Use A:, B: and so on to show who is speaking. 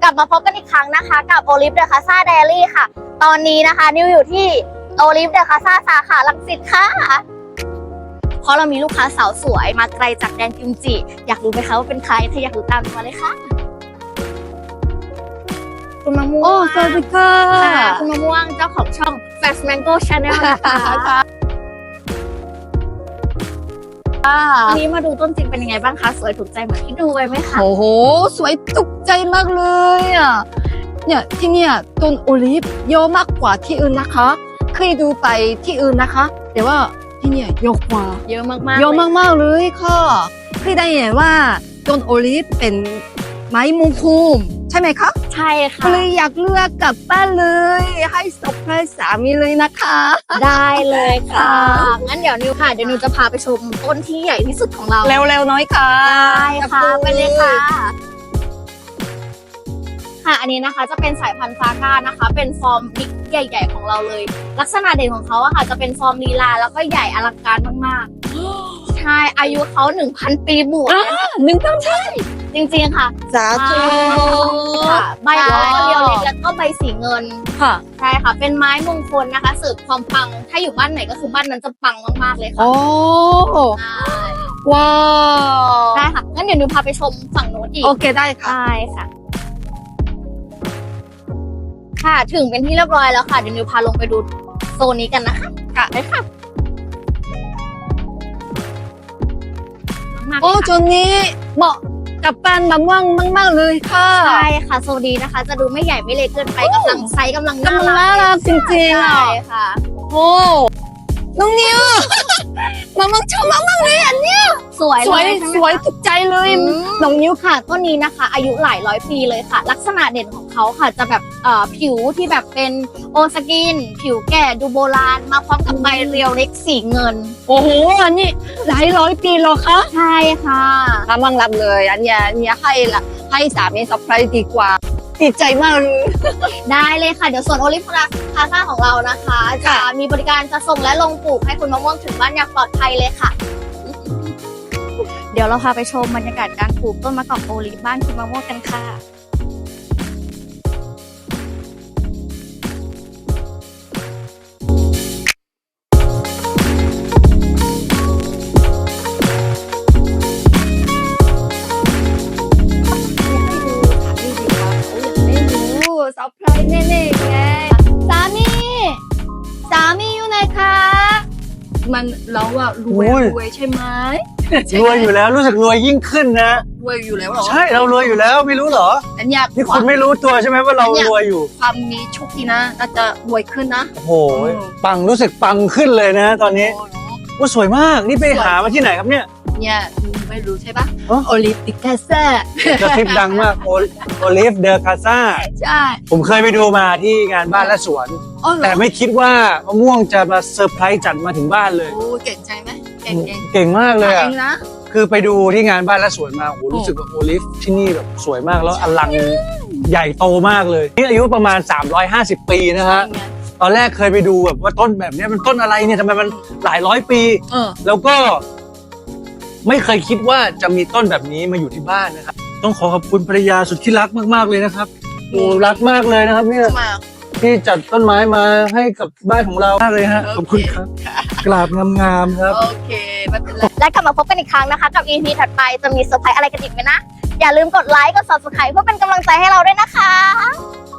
A: กลับมาพบกันอีกครั้งนะคะกับโอลิฟเดอะคาซ่าไดอารี่ค่ะตอนนี้นะคะนิวอยู่ที่โอลิฟเดอะคาซ่าสาขารังสิตค่ะเพราะเรามีลูกค้าสาวสวยมาไกลจากแดนกิมจิอยากรู้ไหมคะว่าเป็นใครถ้าอยากรู้ตามมาเลยค่ะคุณมะม่วง
B: สวัสดีค่ะ
A: คุณมะม่วงเจ้าของช่อง Fast Mango Channel นะคะวันนี้มาดูต้นจริงเป็นยังไงบ้างคะสวยถูกใจเหมือนที่ดูไว้ไหมคะ
B: โอ้โหสวยตุกใจมากเลยอ่ะเนี่ยที่เนี่ยต้นโอลิฟเยอะมากกว่าที่อื่นนะคะเคยดูไปที่อื่นนะคะแต่ว่าที่เนี่ยเยอะกว่า
A: เยอะมากๆ
B: เยอะมากๆเลยค่ะเคยได้ยินว่าต้นโอลิฟเป็นไม้มงคลใช่ไหมคะ
A: ใช่ค่ะ
B: ก็เลยอยากเลือกกลับบ้านเลยให้เซอร์ไพรส์สามีเลยนะคะ
A: ได้เลยค่ะงั้นเดี๋ยวนิวค่ะเดี๋ยวนิวจะพาไปชมต้นที่ใหญ่ที่สุดของเรา
B: เร็วๆน้อยค่ะ
A: ได้ค่ะไปเลยค่ะค่ะอันนี้นะคะจะเป็นสายพันธุ์ฟาก้านะคะเป็นฟอร์มบิ๊กใหญ่ ๆของเราเลย ลักษณะเด่นของเขาอะค่ะจะเป็นฟอร์มลีลาแล้วก็ใหญ่อลังการมากๆใช่อายุเขา 1,000 ปีบวก
B: 1,000 ใช่
A: จริงๆค่ะ
B: สาธุ
A: ค่ะใบเขาก็เรียวเล็กแล้วก็ใบสีเงิน
B: ค่ะ
A: ใช่ค่ะเป็นไม้มงคลนะคะเสริมความปังถ้าอยู่บ้านไหนก็คือบ้านนั้นจะปังมากๆเลยค่ะ
B: โอ้
A: ใช่
B: ว้าว
A: ได้ค่ะงั้นเดี๋ยวนิวพาไปชมฝั่งโน้นอีก
B: โอเคได้ค่ะ
A: ได้ค่ะ ค่ะถึงเป็นที่เรียบร้อยแล้วค่ะเดี๋ยวนิวพาลงไปดูโซนนี้กันนะคะค่ะได้ค่ะมากๆ
B: โอ้
A: เลย
B: จนนี้เหมาะกับปานมะม่วงมากๆเลยค่ะ
A: ใช่ค่ะโซนนี้นะคะ จะดูไม่ใหญ่ไม่เล็กเกินไปกำลังไซส์กำลังน่าก
B: ำลัง
A: รั
B: น่ากรักจริงๆ
A: ใช่
B: อ่ะ
A: ค่ะ
B: โอ้น้องนิว มะม่วงชอบมากๆเลยอันเนี้ย
A: สวย
B: สวย
A: เลยใช่ไหม
B: สวย
A: คะ
B: ถูกใจเลย
A: น้องนิ้วค่ะต้นนี้นะคะ อายุหลายร้อยปีเลยค่ะ ลักษณะเด่นของเขาค่ะ จะแบบผิวที่แบบเป็นโอสกิน ผิวแก่ดูโบราณมาพร้อมกับใบเรียวเล็กสีเงิน
B: โอ้โหอันนี้หลายร้อยปีแล้วคะ
A: ใช่ค่ะ
B: กำลังรับเลยอันเนี้ยให้สามีเซอร์ไพรส์ดีกว่าดีใจมากเลย
A: ได้เลยค่ะ เดี๋ยวส่วนโอลิฟคาซ่าของเรานะคะ จะ
B: ค่ะ
A: มีบริการจะส่งและลงปลูกให้คุณมะม่วงถึงบ้านอย่างปลอดภัยเลยค่ะ เดี๋ยวเราพาไปชมบรรยากาศการปลูกต้นมะกอกโอลิฟบ้านคุณมะม่วงกันค่ะ
B: เซอร์ไพรส์แน่ๆไงสามีอยู่ไหนคะมันเราอะรวยใช่ไหม
C: รวยอยู่แล้วรู้สึกรวยยิ่งขึ้นนะ
B: รวยอยู่แล้วเหรอ
C: ใช่เรารวยอยู่แล้วไม่รู้เหรอ
B: อันเนี้ย
C: นี่คุณไม่รู้ตัวใช่ไหมว่าเรารวยอยู่
B: ความมีโชคดีนะน่าจะรวยขึ้นนะ
C: โอ้โหปังรู้สึกปังขึ้นเลยนะ ตอนนี้
B: โอ้โห
C: ว่าสวยมากนี่ไปหามาที่ไหนครับเนี่ย
B: เนี่ยไม่รู้ใช่ปะ
C: อ๋อ
B: โอลิมปิกแคสเซ่
C: กระซิบดังมากโอลิฟเดอคาซ่า
B: ใช่
C: ผมเคยไปดูมาที่งานบ้านและสวน
B: อ๋อเหรอ
C: แต่ไม่คิดว่ามะม่วงจะมาเซอร์ไพรส์จัดมาถึงบ้านเลย
B: โอ้เก่งใจไหมเก่ง
C: เก่งมากเลย
B: เอ
C: อ่ะ
B: งนะ
C: คือไปดูที่งานบ้านและสวนมาโอ้โหรู้สึกว่าโอลิฟที่นี่แบบสวยมากแล้วอลังใหญ่โตมากเลยนี่อายุประมาณ 350 ปีนะฮะ ตอนแรกเคยไปดูแบบว่าต้นแบบนี้มันต้นอะไรเนี่ยทำไมมันหลายร้อยปี แล้วก็ไม่เคยคิดว่าจะมีต้นแบบนี้มาอยู่ที่บ้านนะครับต้องขอขอบคุณภรรยาสุดที่รักมากๆเลยนะครับโอ้รักมากเลยนะครับเนี่ย
B: มา
C: ที่จัดต้นไม้มาให้กับบ้านของเรามากเลยฮะขอบคุณครับกราบงามๆครับ
B: โอเคไม่เป็นไร
A: และกลับมาพบกันอีกครั้งนะคะ กับ EP ถัดไปจะมีเซอร์ไพรส์อะไรกันอีกไหมนะ อย่าลืมกดไลค์กด Subscribe เพื่อเป็นกำลังใจให้เราด้วยนะคะ